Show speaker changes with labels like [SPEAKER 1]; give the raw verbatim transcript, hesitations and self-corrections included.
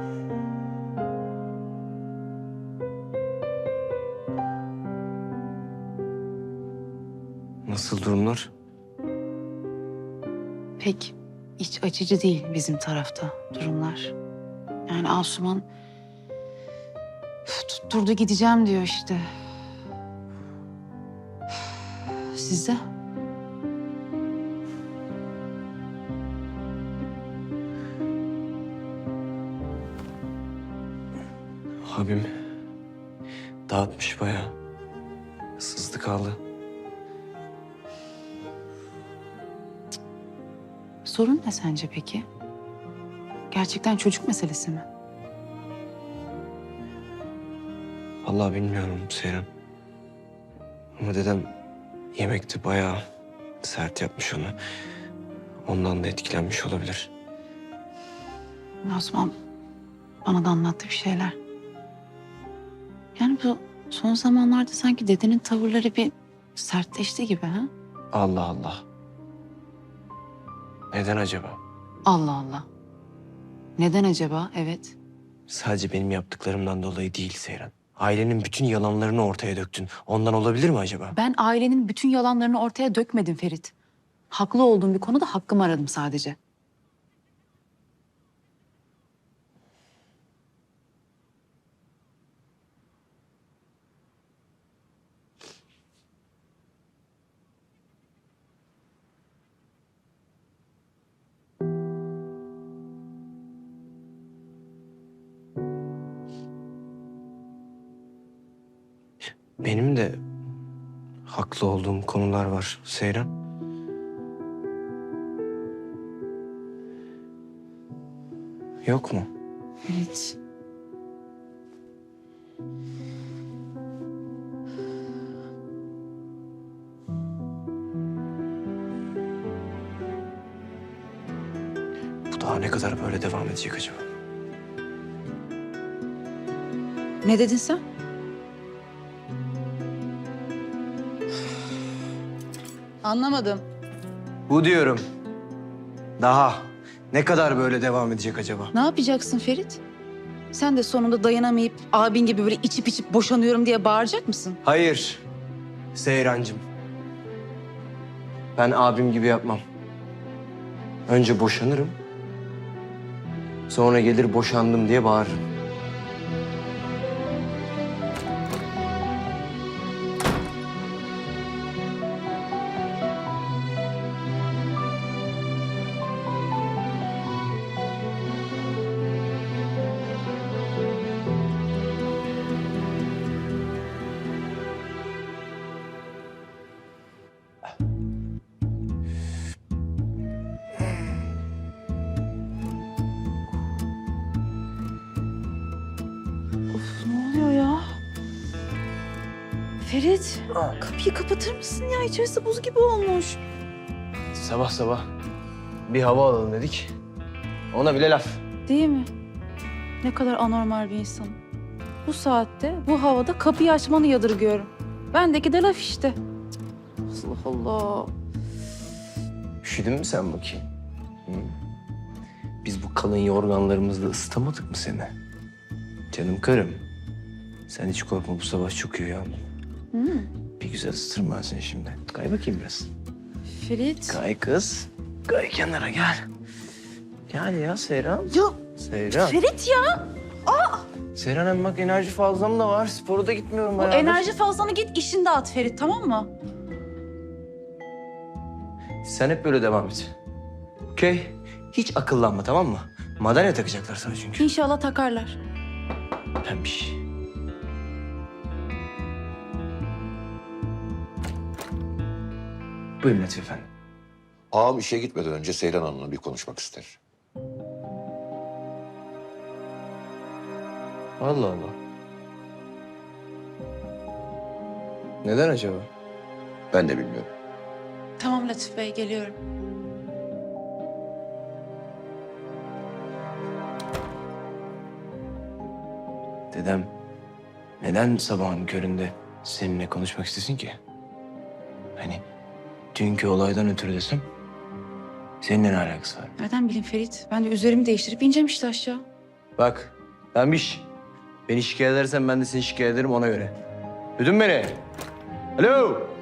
[SPEAKER 1] Nasıl durumlar?
[SPEAKER 2] Pek iç açıcı değil bizim tarafta durumlar. Yani Asuman tutturdu gideceğim diyor işte. Sizde?
[SPEAKER 1] Abim dağıtmış bayağı. Sızdı kaldı.
[SPEAKER 2] Sorun ne sence peki? Gerçekten çocuk meselesi mi?
[SPEAKER 1] Vallahi bilmiyorum Seyran. Ama dedem yemekte bayağı sert yapmış onu. Ondan da etkilenmiş olabilir.
[SPEAKER 2] Osman bana da anlattı bir şeyler. Yani bu son zamanlarda sanki dedenin tavırları bir sertleşti gibi ha?
[SPEAKER 1] Allah Allah. Neden acaba?
[SPEAKER 2] Allah Allah. Neden acaba? Evet.
[SPEAKER 1] Sadece benim yaptıklarımdan dolayı değil Seyran. Ailenin bütün yalanlarını ortaya döktün. Ondan olabilir mi acaba?
[SPEAKER 2] Ben ailenin bütün yalanlarını ortaya dökmedim Ferit. Haklı olduğum bir konuda hakkımı aradım sadece.
[SPEAKER 1] Benim de haklı olduğum konular var Seyran. Yok mu?
[SPEAKER 2] Ferit.
[SPEAKER 1] Bu daha ne kadar böyle devam edecek acaba?
[SPEAKER 2] Ne dedin sen? Anlamadım.
[SPEAKER 1] Bu diyorum. Daha ne kadar böyle devam edecek acaba?
[SPEAKER 2] Ne yapacaksın Ferit? Sen de sonunda dayanamayıp abin gibi böyle içip içip boşanıyorum diye bağıracak mısın?
[SPEAKER 1] Hayır Seyrancığım. Ben abim gibi yapmam. Önce boşanırım. Sonra gelir boşandım diye bağırırım.
[SPEAKER 2] Ne oluyor ya? Ferit, kapıyı kapatır mısın ya? İçerisi buz gibi olmuş.
[SPEAKER 1] Sabah sabah bir hava alalım dedik. Ona bile laf.
[SPEAKER 2] Değil mi? Ne kadar anormal bir insan. Bu saatte, bu havada kapıyı açmanı yadırgıyorum. Bendeki de laf işte. Allah Allah.
[SPEAKER 1] Üşüdün mü sen bakayım? Hı? Biz bu kalın yorganlarımızla ısıtamadık mı seni? Canım karım. Sen hiç korkma, bu sabah çok iyi uyandım.
[SPEAKER 2] Hı.
[SPEAKER 1] Bir güzel ısıtırım ben seni şimdi. Kay bakayım biraz.
[SPEAKER 2] Ferit.
[SPEAKER 1] Kay kız. Kay kenara gel. Gel ya Seyran.
[SPEAKER 2] Ya
[SPEAKER 1] Seyran.
[SPEAKER 2] Ferit ya.
[SPEAKER 1] Seyran hem bak enerji fazlam da var. Spora da gitmiyorum
[SPEAKER 2] Bu
[SPEAKER 1] bayağıdır.
[SPEAKER 2] enerji fazlanı git işini dağıt Ferit, tamam mı?
[SPEAKER 1] Sen hep böyle devam et. Okey? Hiç akıllanma, tamam mı? Madalya takacaklar sana çünkü.
[SPEAKER 2] İnşallah takarlar.
[SPEAKER 1] Pembiş. Buyurun Latif efendi.
[SPEAKER 3] Ağam işe gitmeden önce Seyran Hanım'la bir konuşmak ister.
[SPEAKER 1] Allah Allah. Neden acaba?
[SPEAKER 3] Ben de bilmiyorum.
[SPEAKER 2] Tamam Latif Bey, geliyorum.
[SPEAKER 1] Dedem neden sabahın köründe seninle konuşmak istesin ki? Hani dünkü olaydan ötürü desem seninle ne alakası var?
[SPEAKER 2] Nereden bileyim Ferit? Ben de üzerimi değiştirip ineceğim işte aşağı.
[SPEAKER 1] Bak Tamam iş. Beni şikayet edersen ben de seni şikayet ederim ona göre. Duydun mu beni? Alo.